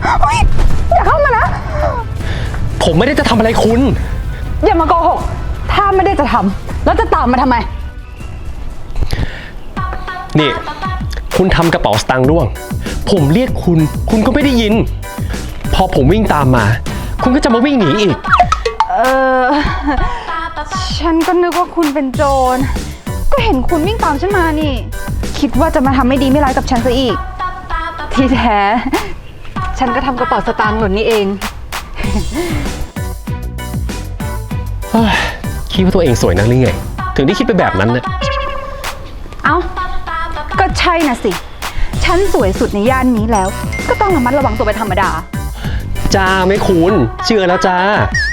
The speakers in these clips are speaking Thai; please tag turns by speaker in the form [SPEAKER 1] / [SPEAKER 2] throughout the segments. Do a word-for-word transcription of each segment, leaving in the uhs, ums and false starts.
[SPEAKER 1] อย่าเข้ามานะ
[SPEAKER 2] ผมไม่ได้จะทำอะไรคุณ
[SPEAKER 1] อย่ามาโกหกถ้าไม่ได้จะทำแล้วจะตามมาทำไม
[SPEAKER 2] นี่คุณทำกระเป๋าสตางค์ร่วงผมเรียกคุณคุณก็ไม่ได้ยินพอผมวิ่งตามมาคุณก็จะมาวิ่งหนีอีก
[SPEAKER 1] เออฉันก็นึกว่าคุณเป็นโจรก็เห็นคุณวิ่งตามฉันมานี่คิดว่าจะมาทำไม่ดีไม่ร้ายกับฉันซะอีกที่แท้ฉันก็ทำกระเป๋าสตางค์หล่นนี่เอง
[SPEAKER 2] คิดว่าตัวเองสวยนักหรือไงถึงได้คิดไปแบบนั้นนะ
[SPEAKER 1] เอ้าก็ใช่น่ะสิฉันสวยสุดในย่านนี้แล้วก็ต้องระมัดระวังตัวเป็นธรรมดา
[SPEAKER 2] จ้าไม่คุณเชื่อแล้วจ้า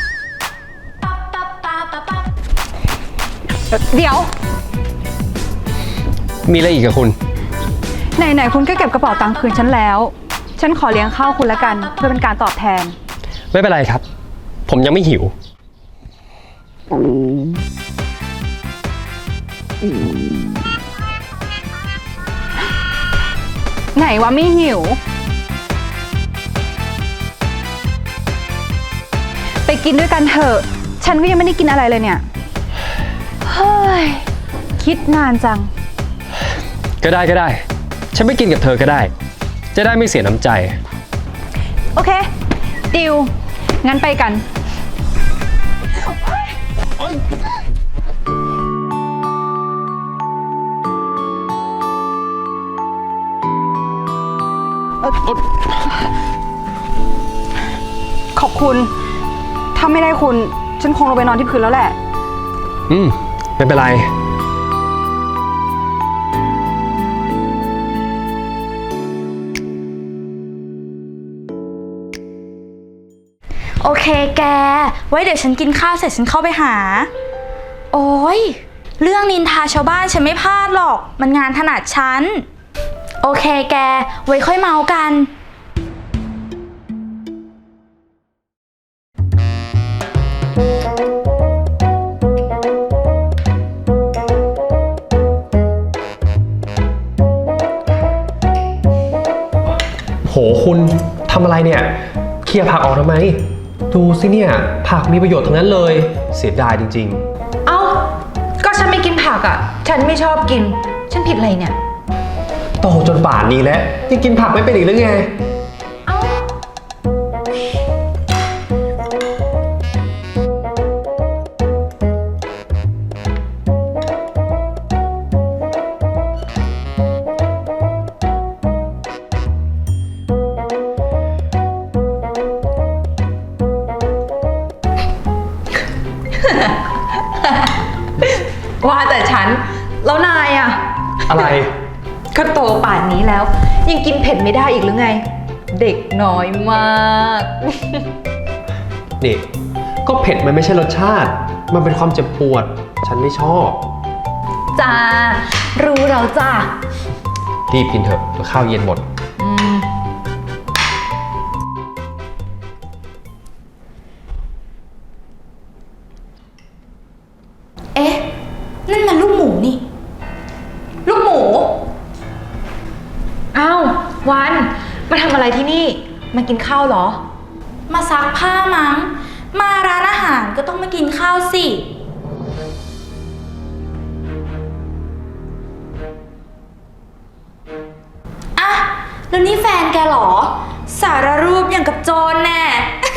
[SPEAKER 1] เดี๋ยว
[SPEAKER 2] มีอะไรอีกกับคุณ
[SPEAKER 1] ไหนๆคุณก็เก็บกระเป๋าตังค์คืนฉันแล้วฉันขอเลี้ยงข้าวคุณละกันเพื่อเป็นการตอบแทน
[SPEAKER 2] ไม่เป็นไรครับผมยังไม่หิว
[SPEAKER 1] ไหนว่าไม่หิวไปกินด้วยกันเถอะฉันก็ยังไม่ได้กินอะไรเลยเนี่ยเฮ้ยคิดนานจัง
[SPEAKER 2] ก็ได้ก็ได้ฉันไม่กินกับเธอก็ได้จะได้ไม่เสียน้ำใจ
[SPEAKER 1] โอเคดิวงั้นไปกันขอบคุณถ้าไม่ได้คุณฉันคงลงไปนอนที่พื้นแล้วแหละ
[SPEAKER 2] อืมไม่เป็นไร
[SPEAKER 3] โอเคแกไว้เดี๋ยวฉันกินข้าวเสร็จฉันเข้าไปหาโอ้ยเรื่องนินทาชาวบ้านฉันไม่พลาดหรอกมันงานถนัดฉันโอเคแกไว้ค่อยเมากัน
[SPEAKER 2] โหคุณทำอะไรเนี่ยเคลียร์ผักออกทำไมดูสิเนี่ยผักมีประโยชน์ทั้งนั้นเลยเสียดายจริง
[SPEAKER 1] ๆเอ้าก็ฉันไม่กินผักอ่ะฉันไม่ชอบกินฉันผิดอะไรเนี่ย
[SPEAKER 2] โตจนป่านนี้แล้วยังกินผักไม่เป็นอีกหรือไง
[SPEAKER 1] เอ้าว่าแต่ฉันแล้วนายอะ
[SPEAKER 2] อะไร
[SPEAKER 1] ก็โตป่านนี้แล้วยังกินเผ็ดไม่ได้อีกหรือไงเด็กน้อยมาก
[SPEAKER 2] นี่ก็เผ็ดมันไม่ใช่รสชาติมันเป็นความเจ็บปวดฉันไม่ชอบ
[SPEAKER 1] จ้ารู้แล้วจ้า
[SPEAKER 2] รีบกินเถอะเดี๋ยวข้าวเย็นหมด
[SPEAKER 3] เอ๊ะนั่นมันลูกหมูนี่ลูกหมู
[SPEAKER 1] อ้าววันมาทำอะไรที่นี่มากินข้าวเหรอ
[SPEAKER 3] มาซักผ้ามั้งมาร้านอาหารก็ต้องมากินข้าวสิอะแล้วนี่แฟนแกเหรอสารรูปอย่างกับโจรแน่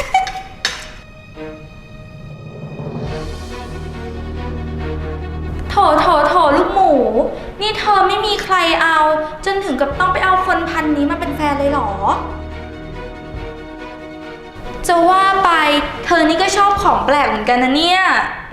[SPEAKER 3] โถโถโถลูกหมูนี่เธอไม่มีใครเอาจนถึงกับต้องไปเอาคนพันนี้มาเป็นแฟนเลยเหรอจะว่าไปเธอนี่ก็ชอบของแปลกเหมือนกันนะเนี่ย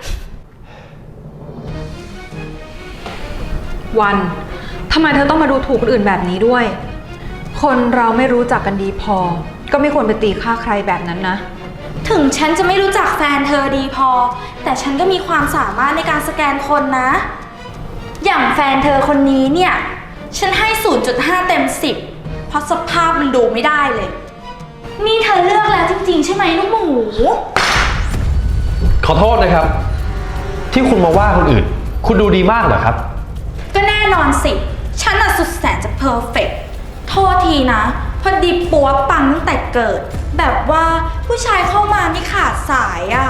[SPEAKER 1] วันทำไมเธอต้องมาดูถูกคนอื่นแบบนี้ด้วยคนเราไม่รู้จักกันดีพอก็ไม่ควรไปตีค่าใครแบบนั้นนะ
[SPEAKER 3] ถึงฉันจะไม่รู้จักแฟนเธอดีพอแต่ฉันก็มีความสามารถในการสแกนคนนะอย่างแฟนเธอคนนี้เนี่ยฉันให้ ศูนย์จุดห้า เต็มสิบเพราะสภาพมันดูไม่ได้เลยนี่เธอเลือกแล้วจริงๆใช่ไหมลูกหมู
[SPEAKER 2] ขอโทษนะครับที่คุณมาว่าคนอื่นคุณดูดีมากเหรอครับ
[SPEAKER 3] ก็แน่นอนสิฉันน่ะสุดแสนจะเพอร์เฟกต์โทษทีนะพอดีปัวปังตั้งแต่เกิด แบบว่าผู้ชายเข้ามาไม่ขาดสายอะ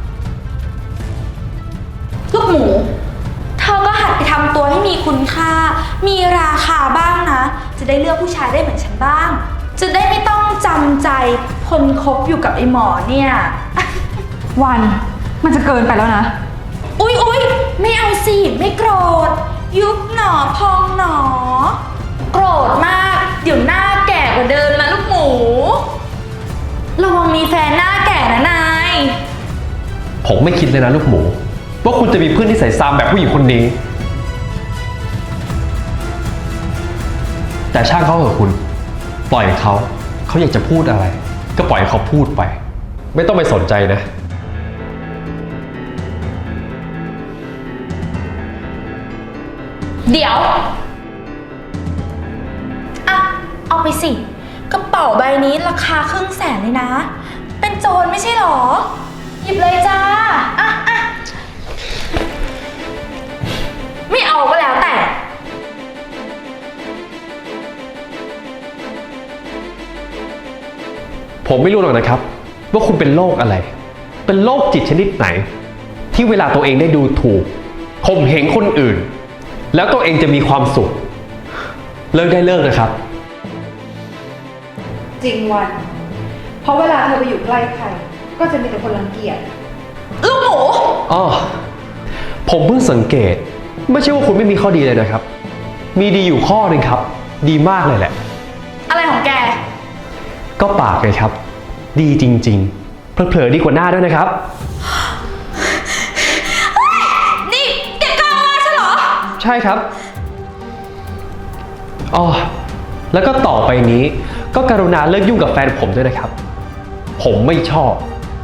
[SPEAKER 3] ลูกหมูเธอก็หัดไปทำตัวให้มีคุณค่า มีราคาบ้างนะ จะได้เลือกผู้ชายได้เหมือนฉันบ้าง จะได้ไม่ต้องจำใจคนคบอยู่กับไอ้หมอเนี่ย
[SPEAKER 1] วันมันจะเกินไปแล้วนะ
[SPEAKER 3] อุ๊ยอุ๊ยไม่เอาสิ ไม่โกรธ ยุบหนอพองหนอ โกรธมาก เดี๋ยวหน้าแก่กว่าเดิมนะลูกหมู ระวังมีแฟนหน้าแก่นะนาย
[SPEAKER 2] ผมไม่คิดเลยนะลูกหมูว่าคุณจะมีเพื่อนที่ใส่ซามแบบผู้หญิงคนนี้ แต่ช่างเขาเถอะคุณ ปล่อยเขา เขาอยากจะพูดอะไร ก็ปล่อยเขาพูดไป ไม่ต้องไปสนใจนะ
[SPEAKER 3] เดี๋ยว อ่ะ เอาไปสิ กระเป๋าใบนี้ราคาครึ่งแสนเลยนะ เป็นโจรไม่ใช่หรอ หยิบเลยจ้า อ่ะอ่ะไม่เอาก็แล้วแต่
[SPEAKER 2] ผมไม่รู้หรอกนะครับ ว่าคุณเป็นโรคอะไร เป็นโรคจิตชนิดไหน ที่เวลาตัวเองได้ดูถูกข่มเหงคนอื่น แล้วตัวเองจะมีความสุข เลิกได้เลิกนะครับ
[SPEAKER 1] จริงวัน เพราะเวลาเธอไปอยู่ใกล้ใคร ก็จะมีแต่คนรังเกียจ
[SPEAKER 3] ลูกหมู
[SPEAKER 2] อ๋อ ผมเพิ่งสังเกต ไม่ใช่ว่าคุณไม่มีข้อดีเลยนะครับ มีดีอยู่ข้อหนึ่งครับ ดีมากเลยแหละ
[SPEAKER 3] อะไรของแก
[SPEAKER 2] ก็ปากเลยครับ ดีจริงๆ เผลอๆดีกว่าหน้าด้วยนะครับ
[SPEAKER 3] นี่แกกล้าว่าฉันเหรอ
[SPEAKER 2] ใช่ครับ อ๋อ แล้วก็ต่อไปนี้ ก็กรุณาเลิกยุ่งกับแฟนผมด้วยนะครับ ผมไม่ชอบ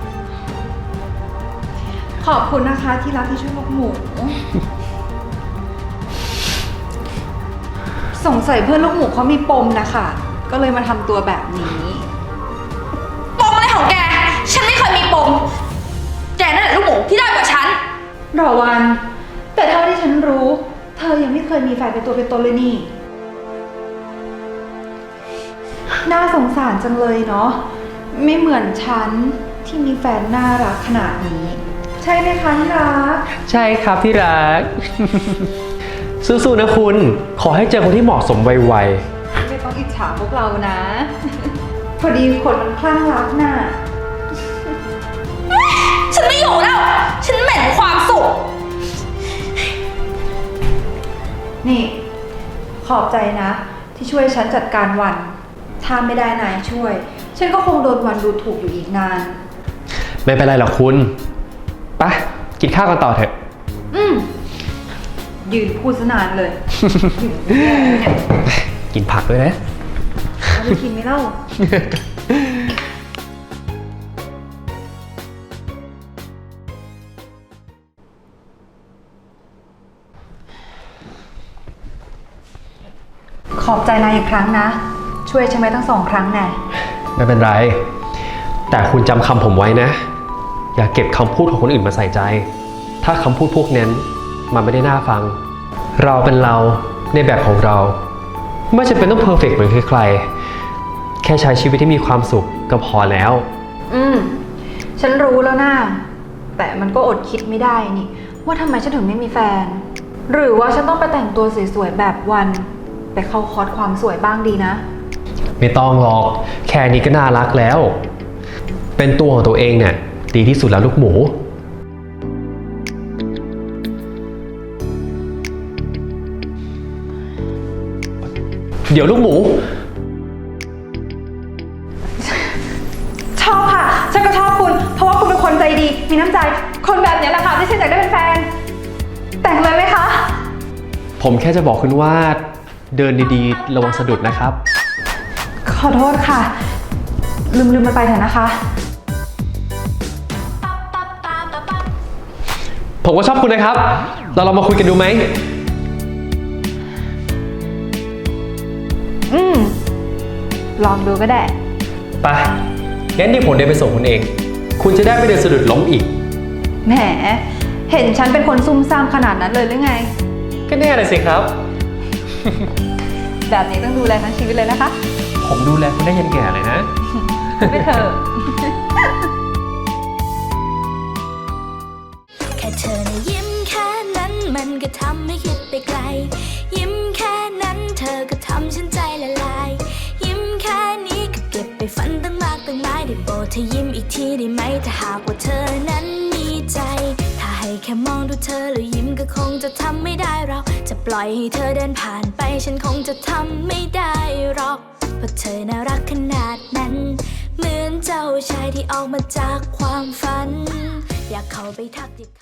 [SPEAKER 1] ขอบคุณนะคะที่รักที่ช่วยลูกหมู สงสัยเพื่อนลูกหมูเขามีปมนะคะ ก็เลยมาทำตัวแบบนี้
[SPEAKER 3] ปมอะไรของแก ฉันไม่เคยมีปม แกนั่นแหละลูกหมูที่ได้กว่าฉัน
[SPEAKER 1] รอวัน แต่เท่าที่ฉันรู้ เธอยังไม่เคยมีแฟนเป็นตัวเป็นตนเลยนี่ น่าสงสารจังเลยเนาะ ไม่เหมือนฉันที่มีแฟนน่ารักขนาดนี้ ใช่ไหมคะที่รัก
[SPEAKER 2] ใช่ครับที่รัก สู้ๆนะคุณ ขอให้เจอคนที่เหมาะสมไว
[SPEAKER 1] ไม่ต้องอิจฉาพวกเรานะ พอดีคนมันคลั่งรักน่ะ
[SPEAKER 3] ฉันไม่อยู่แล้ว ฉันเหม็นความสุข
[SPEAKER 1] นี่ ขอบใจนะ ที่ช่วยฉันจัดการวัน ถ้าไม่ได้นายช่วย ฉันก็คงโดนวันดูถูกอยู่อีกนาน
[SPEAKER 2] ๆ ไม่เป็นไรหรอกคุณไปกินข้าวกันต่อเถอะ
[SPEAKER 1] อืมยืนพูดซะนานเลย เนี่ย
[SPEAKER 2] กินผักด้วยนะ
[SPEAKER 1] เอาไปกินไหมเล่า ขอบใจนายอีกครั้งนะ ช่วยฉันไว้ทั้งสองครั้งแน่
[SPEAKER 2] ไม่เป็นไร แต่คุณจำคำผมไว้นะ อย่าเก็บคำพูดของคนอื่นมาใส่ใจ ถ้าคำพูดพวกนั้นมันไม่ได้น่าฟัง เราเป็นเราในแบบของเรา ไม่จำเป็นต้องเพอร์เฟกต์เหมือนใครๆแค่ใช้ชีวิตที่มีความสุขก็พอแล้ว
[SPEAKER 1] อืม ฉันรู้แล้วนะแต่มันก็อดคิดไม่ได้นี่ ว่าทำไมฉันถึงไม่มีแฟน หรือว่าฉันต้องไปแต่งตัวสวยๆแบบวัน ไปเข้าคอร์สความสวยบ้างดีนะ
[SPEAKER 2] ไม่ต้องหรอก แค่นี้ก็น่ารักแล้ว เป็นตัวของตัวเองเนี่ยดีที่สุดแล้วลูกหมู เดี๋ยวลูกหมู
[SPEAKER 1] ชอบค่ะ ฉันก็ชอบคุณ เพราะว่าคุณเป็นคนใจดี มีน้ำใจ คนแบบนี้แหละค่ะที่ฉันอยากได้เป็นแฟน แต่งเลยไหมคะ
[SPEAKER 2] ผมแค่จะบอกคุณว่าเดินดีๆ ระวังสะดุดนะครับ
[SPEAKER 1] ขอโทษค่ะ ลืมลืมมันไปเถอะนะคะ
[SPEAKER 2] ผมก็ชอบคุณนะครับ เราลองมาคุยกันดูไหม
[SPEAKER 1] อืม ลองดูก็ได้
[SPEAKER 2] ไป งั้นเดี๋ยวผมเดินไปส่งคุณเอง คุณจะได้ไม่เดินสะดุดล้มอีก
[SPEAKER 1] แหม เห็นฉันเป็นคนซุ่มซ่ามขนาดนั้นเลยหรือไง
[SPEAKER 2] ก็แน่เลยสิครับ
[SPEAKER 1] แบบนี้ต้องดูแลทั้งชีวิตเลยนะคะ
[SPEAKER 2] ผมดูแลคุณได้ยันแก่เลยนะ
[SPEAKER 1] ไปเถอะ
[SPEAKER 4] แค่เธอนะยิ้มแค่นั้นมันก็ทำให้คิดไปไกล ยิ้มแค่นั้นเธอก็ทำฉันใจละลาย ยิ้มแค่นี้ก็เก็บไปฝันตั้งมากตั้งหลายได้โปรดเธอยิ้มอีกทีได้ไหมถ้าหากว่าเธอนั้นมีใจ ถ้าให้แค่มองดูเธอแล้วยิ้มก็คงจะทำไม่ได้เราจะปล่อยให้เธอเดินผ่านไปฉันคงจะทำไม่ได้หรอกเพราะเธอน่ารักขนาดนั้นเหมือนเจ้าชายที่ออกมาจากความฝันอยากเข้าไปทักทิ